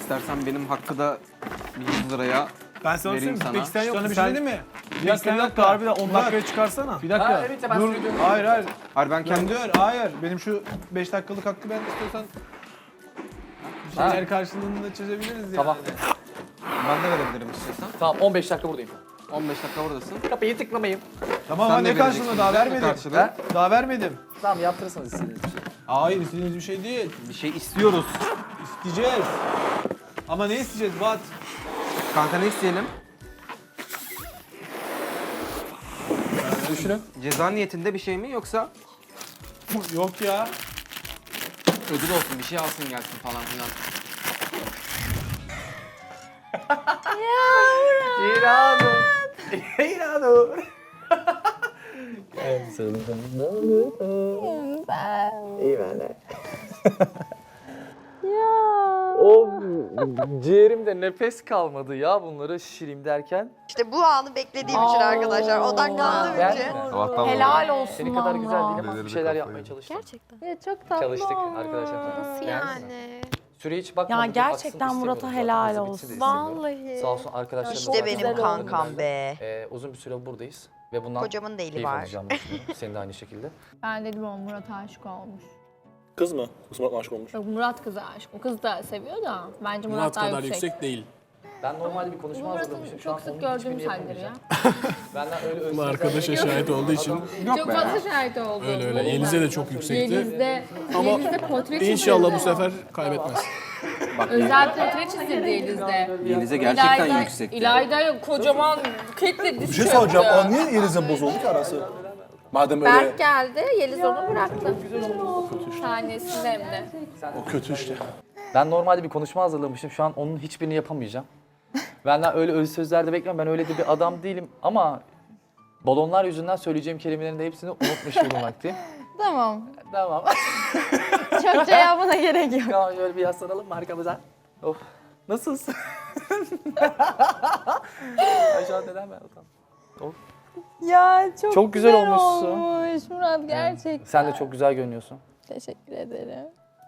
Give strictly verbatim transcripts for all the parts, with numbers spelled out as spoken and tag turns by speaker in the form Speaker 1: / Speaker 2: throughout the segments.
Speaker 1: İstersen benim hakkı da yüz liraya
Speaker 2: Ben sana
Speaker 1: vereyim
Speaker 2: söyleyeyim.
Speaker 1: sana.
Speaker 2: Peki sen yok
Speaker 3: Sana
Speaker 2: musun?
Speaker 3: bir şey
Speaker 2: Sen-
Speaker 3: diyeyim mi?
Speaker 2: Bir dakika, bir dakika. Harbiden on dakikaya çıkarsana.
Speaker 3: Bir dakika.
Speaker 4: Ha, evet, ben
Speaker 3: Dur.
Speaker 4: söylüyorum.
Speaker 3: Hayır hayır.
Speaker 1: Hayır ben kendim...
Speaker 3: Kendi ör. Hayır. Benim şu beş dakikalık hakkı ben istiyorsan bir şeyler karşılığında çözebiliriz yani.
Speaker 4: Tamam.
Speaker 1: Ben de verebilirim istiyorsan.
Speaker 4: Tamam on beş dakika buradayım.
Speaker 1: on beş dakika buradasın.
Speaker 4: Kapıyı tıklamayın.
Speaker 3: Tamam
Speaker 1: Sen
Speaker 3: ama
Speaker 1: de
Speaker 3: ne karşılığında
Speaker 1: vereceksin,
Speaker 3: daha
Speaker 1: bize mi
Speaker 3: vermedim.
Speaker 1: karşılığı?
Speaker 4: Ha?
Speaker 3: Daha vermedim.
Speaker 4: Tamam yaptırırsanız istediğiniz bir şey.
Speaker 3: Hayır istediğiniz bir şey değil.
Speaker 1: Bir şey istiyoruz.
Speaker 3: İsteyeceğiz. Ama ne isteyeceğiz Bat?
Speaker 1: Kanka ne isteyelim?
Speaker 4: Düşünün.
Speaker 1: Ceza niyetinde bir şey mi yoksa
Speaker 3: Yok ya.
Speaker 1: ödül olsun bir şey alsın gelsin falan filan.
Speaker 4: İranur. İranur. İyi ben de. O ciğerimde nefes kalmadı ya bunları şişireyim derken.
Speaker 5: İşte bu anı beklediğim için arkadaşlar. Odaklandığım
Speaker 4: Ben-
Speaker 5: için.
Speaker 6: Helal olsun
Speaker 4: Seni kadar güzel
Speaker 6: valla.
Speaker 4: değilim ama bir şeyler yapmaya çalıştım.
Speaker 6: Gerçekten. Ya çok tatlı
Speaker 4: Çalıştık
Speaker 6: olmuş.
Speaker 4: arkadaşlar.
Speaker 5: Nasıl yani?
Speaker 4: Süre hiç bakmadım.
Speaker 6: Ya gerçekten Murat'a helal olsun.
Speaker 5: Vallahi.
Speaker 4: Sağ olsun arkadaşlarım.
Speaker 5: İşte benim
Speaker 6: güzel
Speaker 5: kankam be.
Speaker 4: Ee, uzun bir süre buradayız ve bundan
Speaker 5: Kocamın da eli
Speaker 4: keyif
Speaker 5: var.
Speaker 4: alacağım düşünüyorum. Senin de aynı şekilde.
Speaker 7: Ben dedim o Murat'a aşık olmuş.
Speaker 8: Kız mı? Kız Murat'la aşık olmuş.
Speaker 7: Yok Murat kıza aşık. O kız da seviyor da bence Murat,
Speaker 8: Murat
Speaker 7: daha
Speaker 8: kadar
Speaker 7: yüksek.
Speaker 8: yüksek değil.
Speaker 4: Ben normalde bir
Speaker 7: Bu
Speaker 4: konuşma
Speaker 7: Murat'ın
Speaker 4: hazırlamışım. Şu an
Speaker 7: çok sık
Speaker 4: onun
Speaker 7: gördüğümüz
Speaker 4: hiçbirini
Speaker 7: halleri ya.
Speaker 4: yapamayacağım. Benden öyle özür
Speaker 8: Bu arkadaşa şahit olduğu için
Speaker 7: Çok fazla şahit oldu.
Speaker 8: öyle öyle. Yeliz'e de çok yüksekti.
Speaker 7: Yeliz'de,
Speaker 8: Ama
Speaker 7: Yeliz'de portre çizdirdi.
Speaker 8: İnşallah bu sefer kaybetmez.
Speaker 7: Özel portre çizdirdi Yeliz'de.
Speaker 1: Yeliz'e gerçekten
Speaker 7: İlayda-
Speaker 1: yüksekti.
Speaker 7: İlayda kocaman buketle diz
Speaker 8: Bir şey
Speaker 7: çöktü.
Speaker 8: soracağım. Aa, niye Yeliz'e bozuldu ki arası? Madem öyle
Speaker 7: Berk geldi, Yeliz onu bıraktı. Tanesinde hem de.
Speaker 8: o kötü işte.
Speaker 4: Ben normalde bir konuşma hazırlamışım. Şu an onun hiçbirini yapamayacağım. Benden öyle öz sözler de bekliyorum. Ben öyle de bir adam değilim ama balonlar yüzünden söyleyeceğim kelimelerin de hepsini unutmuş bulunmaktayım.
Speaker 6: Tamam.
Speaker 4: Tamam.
Speaker 6: Çok cevabına gerek yok.
Speaker 4: Tamam şöyle bir yaslanalım mı arkamıza? Of. Nasılsın? Ay şu an neden ben utandım? Of.
Speaker 6: Ya çok,
Speaker 4: Çok güzel olmuşsun.
Speaker 6: olmuş Murat gerçekten.
Speaker 4: Sen de çok güzel görünüyorsun.
Speaker 6: Teşekkür ederim.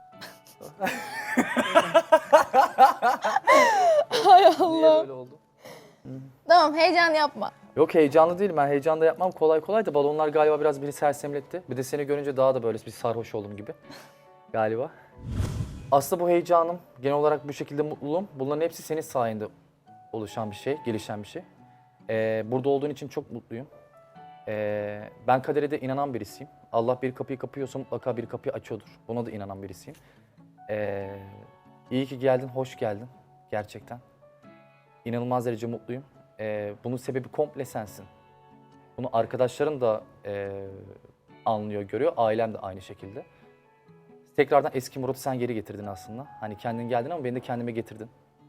Speaker 6: Hay
Speaker 4: Niye
Speaker 6: Allah.
Speaker 4: böyle oldu?
Speaker 6: Tamam heyecan yapma.
Speaker 4: Yok heyecanlı değilim. Ben heyecan da yapmam kolay kolay da balonlar galiba biraz beni sersemletti. Bir de seni görünce daha da böyle bir sarhoş oldum gibi. Galiba. Aslında bu heyecanım, genel olarak bu şekilde mutluluğum, bunların hepsi senin sayende oluşan bir şey, gelişen bir şey. Ee, burada olduğun için çok mutluyum. Ee, ben kadere de inanan birisiyim. Allah bir kapıyı kapıyorsa mutlaka bir kapıyı açıyordur. Buna da inanan birisiyim. Ee, iyi ki geldin, hoş geldin. Gerçekten. İnanılmaz derece mutluyum. Ee, bunun sebebi komple sensin. Bunu arkadaşların da e, anlıyor, görüyor. Ailem de aynı şekilde. Tekrardan eski Murat'ı sen geri getirdin aslında. Hani kendin geldin ama beni de kendime getirdin.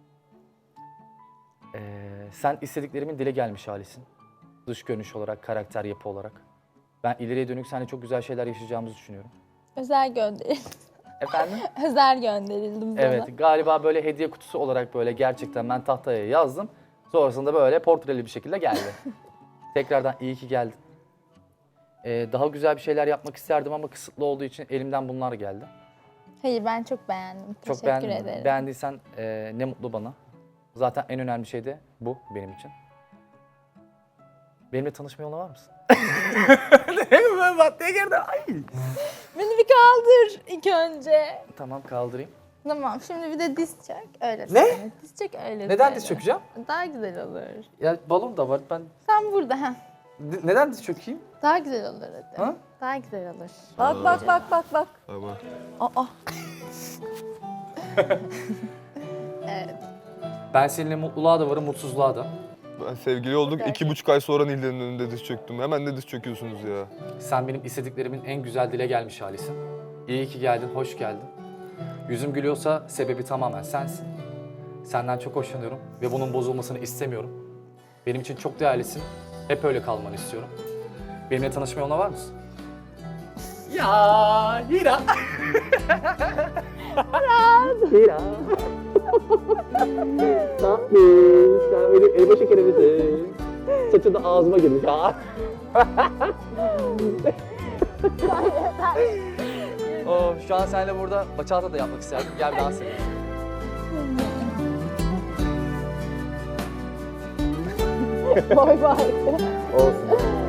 Speaker 4: Ee, sen istediklerimin dile gelmiş halisin. Dış görünüş olarak, karakter, yapı olarak. Ben ileriye dönük seninle çok güzel şeyler yaşayacağımızı düşünüyorum.
Speaker 6: Özel gönderildim.
Speaker 4: Efendim?
Speaker 6: Özel gönderildim sana.
Speaker 4: Evet, galiba böyle hediye kutusu olarak böyle gerçekten ben tahtaya yazdım. Sonrasında böyle portreli bir şekilde geldi. Tekrardan iyi ki geldin. Ee, daha güzel bir şeyler yapmak isterdim ama kısıtlı olduğu için elimden bunlar geldi.
Speaker 6: Hayır ben çok beğendim.
Speaker 4: Çok
Speaker 6: Teşekkür
Speaker 4: beğendim.
Speaker 6: ederim.
Speaker 4: Beğendiysen e, ne mutlu bana. Zaten en önemli şey de bu benim için. Benimle tanışmaya yola var mısın? Ne maddeye girdi? Ay.
Speaker 6: Beni bir kaldır ilk önce.
Speaker 4: Tamam kaldırayım.
Speaker 6: Tamam şimdi bir de diz çök öyle
Speaker 4: Ne?
Speaker 6: söyle. Diz çök öyle
Speaker 4: Neden
Speaker 6: söyle.
Speaker 4: diz çökeceğim?
Speaker 6: Daha güzel olur.
Speaker 4: Ya balon da var. Ben
Speaker 6: Sen burada ha.
Speaker 4: D- neden diz çökeyim?
Speaker 6: Daha güzel olur hadi.
Speaker 4: Ha?
Speaker 6: Daha güzel olur. Bak bak bak bak bak.
Speaker 8: Tamam.
Speaker 6: Aa.
Speaker 4: Ben seninle mutluluğa da varım, mutsuzluğa da.
Speaker 9: Ben sevgili olduk. iki buçuk ay sonra Nilden'in önünde diz çöktüm. Hemen de diz çöküyorsunuz ya.
Speaker 4: Sen benim istediklerimin en güzel dile gelmiş halisin. İyi ki geldin, hoş geldin. Yüzüm gülüyorsa sebebi tamamen sensin. Senden çok hoşlanıyorum ve bunun bozulmasını istemiyorum. Benim için çok değerlisin. Hep öyle kalmanı istiyorum. Benimle tanışma yoluna var mısın? Ya Hira. Hira. Tatlış. Sen benim elma şekerimsin. Saçın da ağzıma girmiş ha. Oh, şu an seninle burada bachata da yapmak isterdim. Gel bir dans edelim.
Speaker 6: Boy farkı.
Speaker 4: Olsun.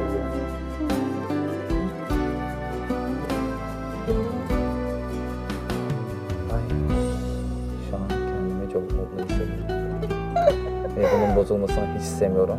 Speaker 4: Ay, şu an kendimi çok mutlu hissediyorum. Ve bunun bozulmasını hiç istemiyorum.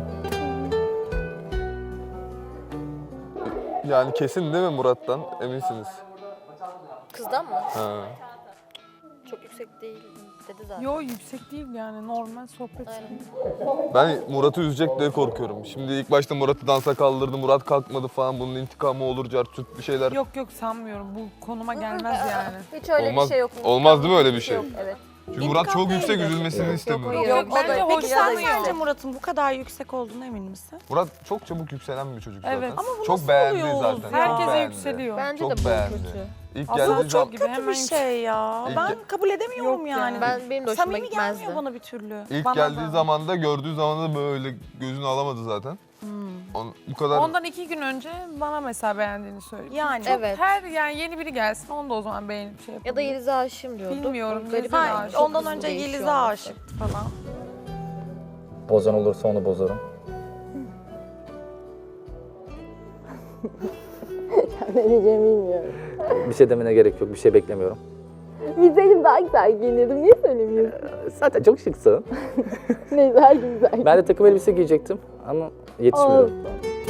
Speaker 9: Yani kesin değil mi Murat'tan? Eminsiniz.
Speaker 7: Kızdan mı?
Speaker 9: Ha.
Speaker 7: Çok yüksek değil dedi zaten.
Speaker 10: Yo yüksek değil yani normal sohbet.
Speaker 7: Aynen.
Speaker 9: Ben Murat'ı üzecek diye korkuyorum. Şimdi ilk başta Murat'ı dansa kaldırdı, Murat kalkmadı falan. Bunun intikamı olur, cartürt bir şeyler.
Speaker 10: Yok yok sanmıyorum bu konuma gelmez yani.
Speaker 7: Hiç öyle
Speaker 9: Olmaz-
Speaker 7: bir şey yok.
Speaker 9: olmaz değil mi öyle bir şey?
Speaker 7: Yok, evet.
Speaker 9: Çünkü Murat çok yüksek, üzülmesini
Speaker 7: Yok,
Speaker 9: istemiyorum.
Speaker 7: hayır.
Speaker 10: Yok, bence
Speaker 7: o da-
Speaker 10: hoş
Speaker 7: Peki
Speaker 10: sen
Speaker 7: sen
Speaker 10: sence
Speaker 6: Murat'ın bu kadar yüksek olduğuna emin misin?
Speaker 9: Murat çok çabuk yükselen bir çocuk zaten.
Speaker 10: Evet. Ama
Speaker 6: bu
Speaker 9: çok
Speaker 6: nasıl
Speaker 9: beğendi
Speaker 6: oluyor
Speaker 9: zaten.
Speaker 6: Oğuz
Speaker 9: çok
Speaker 6: ya?
Speaker 10: Herkese
Speaker 9: beğendi.
Speaker 10: yükseliyor.
Speaker 7: Bence
Speaker 9: Çok
Speaker 7: de bu
Speaker 9: beğendi.
Speaker 7: kötü.
Speaker 9: İlk
Speaker 10: Aslında
Speaker 9: geldiği
Speaker 10: çok
Speaker 9: zaman,
Speaker 10: gibi
Speaker 6: Kötü
Speaker 10: hemen
Speaker 6: bir şey ya.
Speaker 9: İlk
Speaker 6: Ben
Speaker 9: ge-
Speaker 6: kabul edemiyorum
Speaker 10: Yok
Speaker 6: yani.
Speaker 10: yani.
Speaker 7: Ben benim de hoşuma
Speaker 6: Samimi
Speaker 7: gitmezdi.
Speaker 6: gelmiyor bana bir türlü.
Speaker 9: ilk
Speaker 10: Bana
Speaker 9: geldiği
Speaker 10: da.
Speaker 9: zaman da gördüğü zaman da böyle gözünü alamadı zaten. On, bu kadar
Speaker 10: Ondan iki gün önce bana mesela beğendiğini söyledi.
Speaker 6: Yani.
Speaker 10: Çok
Speaker 7: Evet.
Speaker 10: her yani yeni biri gelsin onu da o zaman beğenip şey yapalım.
Speaker 7: Ya da Yeliz'e aşığım diyordu.
Speaker 10: Bilmiyorum,
Speaker 7: O garip
Speaker 10: Yeliz'e
Speaker 7: yani.
Speaker 10: de
Speaker 6: Ha,
Speaker 10: aşık.
Speaker 6: ondan
Speaker 7: Çok
Speaker 6: önce
Speaker 7: hızlı değişiyor
Speaker 6: Yeliz'e
Speaker 7: olması.
Speaker 6: aşıktı falan.
Speaker 4: Bozan olursa onu bozarım.
Speaker 6: Ne diyeceğimi bilmiyorum.
Speaker 4: Bir şey demene gerek yok, bir şey beklemiyorum.
Speaker 6: Bilseydim daha güzel giyinirdim. Niye söylemiyorsun?
Speaker 4: Zaten çok şıksın.
Speaker 6: Neyse her gün güzel.
Speaker 4: Ben de takım elbise giyecektim ama yetişmiyorum.
Speaker 6: Olsun.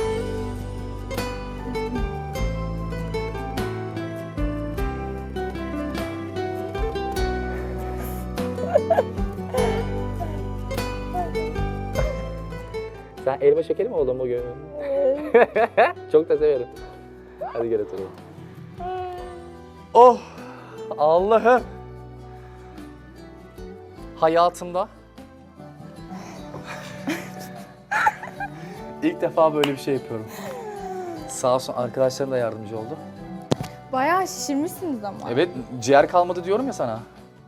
Speaker 4: Sen elma şekeri mi oldun bugün? Çok da severim. Hadi gel oturalım. Oh! Allah'ım! Hayatımda ilk defa böyle bir şey yapıyorum. Sağ olsun arkadaşlarım da yardımcı oldu.
Speaker 6: Bayağı şişirmişsiniz ama.
Speaker 4: Evet, ciğer kalmadı diyorum ya sana.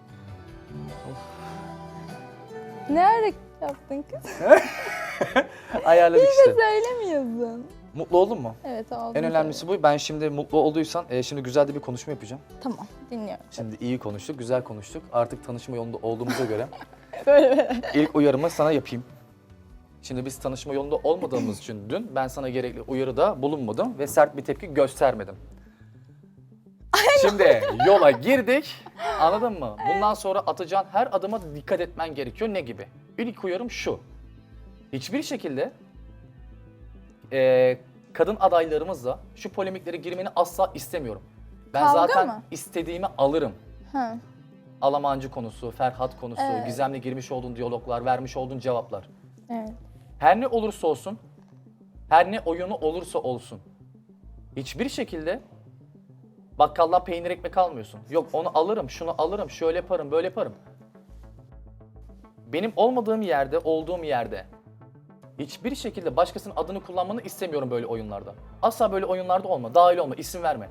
Speaker 6: Ne hareket yaptın kız?
Speaker 4: Ayarladık işte.
Speaker 6: Söylemiyorsun.
Speaker 4: Mutlu oldun mu?
Speaker 6: Evet oldu.
Speaker 4: En önemlisi bu. Ben şimdi mutlu olduysan, e, şimdi güzel de bir konuşma yapacağım.
Speaker 6: Tamam dinliyorum.
Speaker 4: Şimdi iyi konuştuk, güzel konuştuk. Artık tanışma yolunda olduğumuza göre
Speaker 6: Böyle böyle.
Speaker 4: ilk uyarımı sana yapayım. Şimdi biz tanışma yolunda olmadığımız için dün ben sana gerekli uyarıda bulunmadım ve sert bir tepki göstermedim. Şimdi yola girdik, anladın mı? Bundan sonra atacağın her adıma dikkat etmen gerekiyor. Ne gibi? İlk uyarım şu. Hiçbir şekilde e, kadın adaylarımızla şu polemiklere girmeni asla istemiyorum. Ben
Speaker 6: Kavga
Speaker 4: zaten
Speaker 6: mı?
Speaker 4: istediğimi alırım.
Speaker 6: Ha.
Speaker 4: Alamancı konusu, Ferhat konusu,
Speaker 6: Evet.
Speaker 4: Gizem'le girmiş olduğun diyaloglar, vermiş olduğun cevaplar.
Speaker 6: Evet.
Speaker 4: Her ne olursa olsun, her ne oyunu olursa olsun, hiçbir şekilde bakkaldan peynir ekmek almıyorsun. Yok onu alırım, şunu alırım, şöyle yaparım, böyle yaparım. Benim olmadığım yerde, olduğum yerde hiçbir şekilde başkasının adını kullanmanı istemiyorum böyle oyunlarda. Asla böyle oyunlarda olma, dahil olma, isim verme.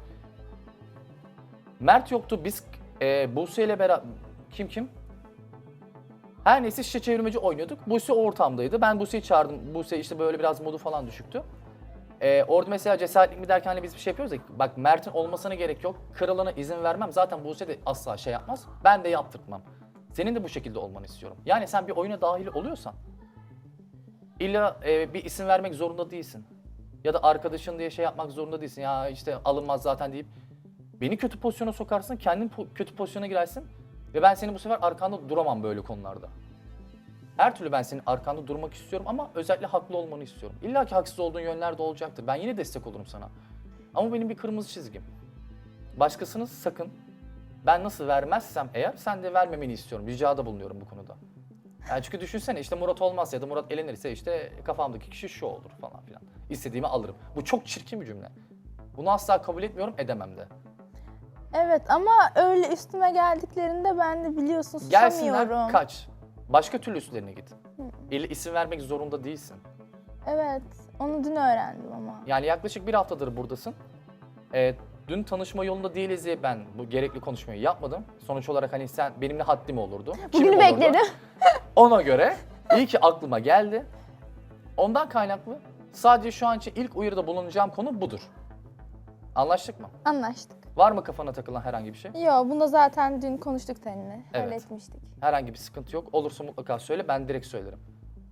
Speaker 4: Mert yoktu, biz e, Buse ile beraber... Kim kim? Her neyse şişe çevirmeci oynuyorduk. Buse o ortamdaydı. Ben Buse'yi çağırdım. Buse işte böyle biraz modu falan düşüktü. Ee, orada mesela cesaretlik mi derken hani biz bir şey yapıyoruz ya. Bak Mert'in olmasına gerek yok. Kralına izin vermem. Zaten Buse de asla şey yapmaz. Ben de yaptırtmam. Senin de bu şekilde olmanı istiyorum. Yani sen bir oyuna dahil oluyorsan illa e, bir isim vermek zorunda değilsin. Ya da arkadaşın diye şey yapmak zorunda değilsin. Ya işte alınmaz zaten deyip beni kötü pozisyona sokarsın, kendin po- kötü pozisyona girersin ve ben senin bu sefer arkanda duramam böyle konularda. Her türlü ben senin arkanda durmak istiyorum ama özellikle haklı olmanı istiyorum. İlla ki haksız olduğun yönler de olacaktır. Ben yine destek olurum sana. Ama benim bir kırmızı çizgim. Başkasını sakın, ben nasıl vermezsem eğer sen de vermemeni istiyorum. Ricada bulunuyorum bu konuda. Yani çünkü düşünsene işte Murat olmaz ya da Murat elenirse işte kafamdaki kişi şu olur falan filan. İstediğimi alırım. Bu çok çirkin bir cümle. Bunu asla kabul etmiyorum, edemem de.
Speaker 6: Evet ama öyle üstüme geldiklerinde ben de biliyorsun susamıyorum.
Speaker 4: Gelsinler kaç. Başka türlü üstlerine git. İlle isim vermek zorunda değilsin.
Speaker 6: Evet onu dün öğrendim ama.
Speaker 4: Yani yaklaşık bir haftadır buradasın. Ee, dün tanışma yolunda değiliz diye ben bu gerekli konuşmayı yapmadım. Sonuç olarak hani sen benimle haddim olurdu. Kimin
Speaker 6: Bugünü
Speaker 4: olurdu?
Speaker 6: bekledim.
Speaker 4: Ona göre iyi ki aklıma geldi. Ondan kaynaklı sadece şu an için ilk uyarıda bulunacağım konu budur. Anlaştık mı?
Speaker 6: Anlaştık.
Speaker 4: Var mı kafana takılan herhangi bir şey?
Speaker 6: Yo bunda zaten dün konuştuk seninle.
Speaker 4: Evet.
Speaker 6: Halletmiştik.
Speaker 4: Herhangi bir sıkıntı yok. Olursa mutlaka söyle, ben direkt söylerim.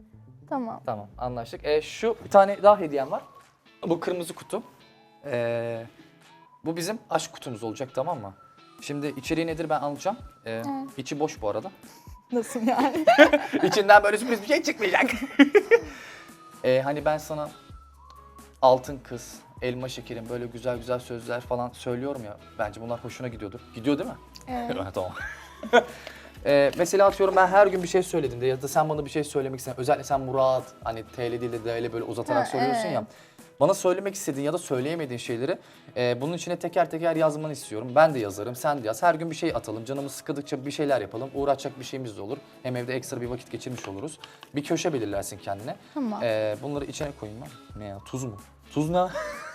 Speaker 6: Tamam.
Speaker 4: Tamam, anlaştık. E, şu bir tane daha hediyem var. Bu kırmızı kutu. E, bu bizim aşk kutumuz olacak, tamam mı? Şimdi içeriği nedir ben anlatacağım. E, içi boş bu arada.
Speaker 6: Nasıl yani?
Speaker 4: İçinden böyle sürpriz bir şey çıkmayacak. e, hani ben sana altın kız, elma şekerim, böyle güzel güzel sözler falan söylüyorum ya. Bence bunlar hoşuna gidiyordur. Gidiyor değil mi?
Speaker 6: Evet.
Speaker 4: Tamam. Ee, mesela atıyorum ben her gün bir şey söylediğimde ya da sen bana bir şey söylemek istedin. Özellikle sen Murat, hani T L değil de D L böyle uzatarak
Speaker 6: Ha,
Speaker 4: söylüyorsun ya.
Speaker 6: evet.
Speaker 4: Bana söylemek istediğin ya da söyleyemediğin şeyleri e, bunun içine teker teker yazmanı istiyorum. Ben de yazarım, sen de yaz. Her gün bir şey atalım. Canımız sıkıldıkça bir şeyler yapalım. Uğraşacak bir şeyimiz de olur. Hem evde ekstra bir vakit geçirmiş oluruz. Bir köşe belirlersin kendine.
Speaker 6: Tamam.
Speaker 4: Ee, bunları içine koyayım ben. Ne ya? Tuz mu? Tuz ne?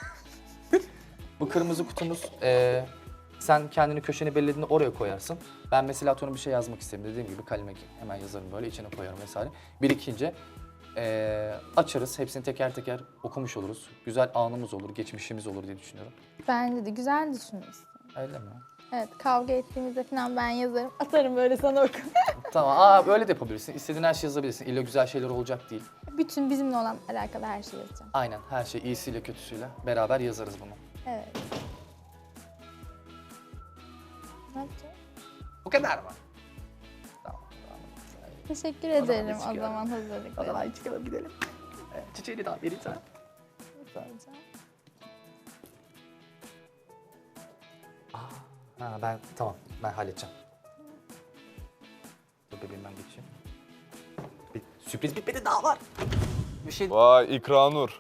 Speaker 4: Bu kırmızı kutumuz. e, sen kendini köşeni belirlediğinde oraya koyarsın. Ben mesela atıyorum bir şey yazmak istedim. Dediğim gibi kaleme hemen yazarım böyle içine koyarım vesaire. Birikince e, açarız. Hepsini teker teker okumuş oluruz. Güzel anımız olur, geçmişimiz olur diye düşünüyorum.
Speaker 6: Bence de güzel düşünmüşsün.
Speaker 4: Öyle mi?
Speaker 6: Evet, kavga ettiğimizde falan ben yazarım. Atarım böyle sana oku.
Speaker 4: Tamam. Aa böyle de yapabilirsin. İstediğin her şeyi yazabilirsin. İlla güzel şeyler olacak değil.
Speaker 6: Bütün bizimle olan alakalı her şeyi yazacağım.
Speaker 4: Aynen her şey iyisiyle kötüsüyle beraber yazarız bunu.
Speaker 6: Evet. Ne yapacağız?
Speaker 4: Bu kadar mı? Tamam.
Speaker 6: Teşekkür
Speaker 4: zaman
Speaker 6: ederim
Speaker 4: biz
Speaker 6: o
Speaker 4: çıkıyoruz.
Speaker 6: zaman
Speaker 4: O
Speaker 6: hazırlıkları.
Speaker 4: zaman çıkalım gidelim. Evet, çiçeğini daha vereyim sana.
Speaker 6: Soracağım.
Speaker 4: Ha ben tamam ben halledeceğim. Dur bebeğim ben geçeyim. Bir, sürpriz bitmedi daha var. Bir şey
Speaker 9: Vay İkranur.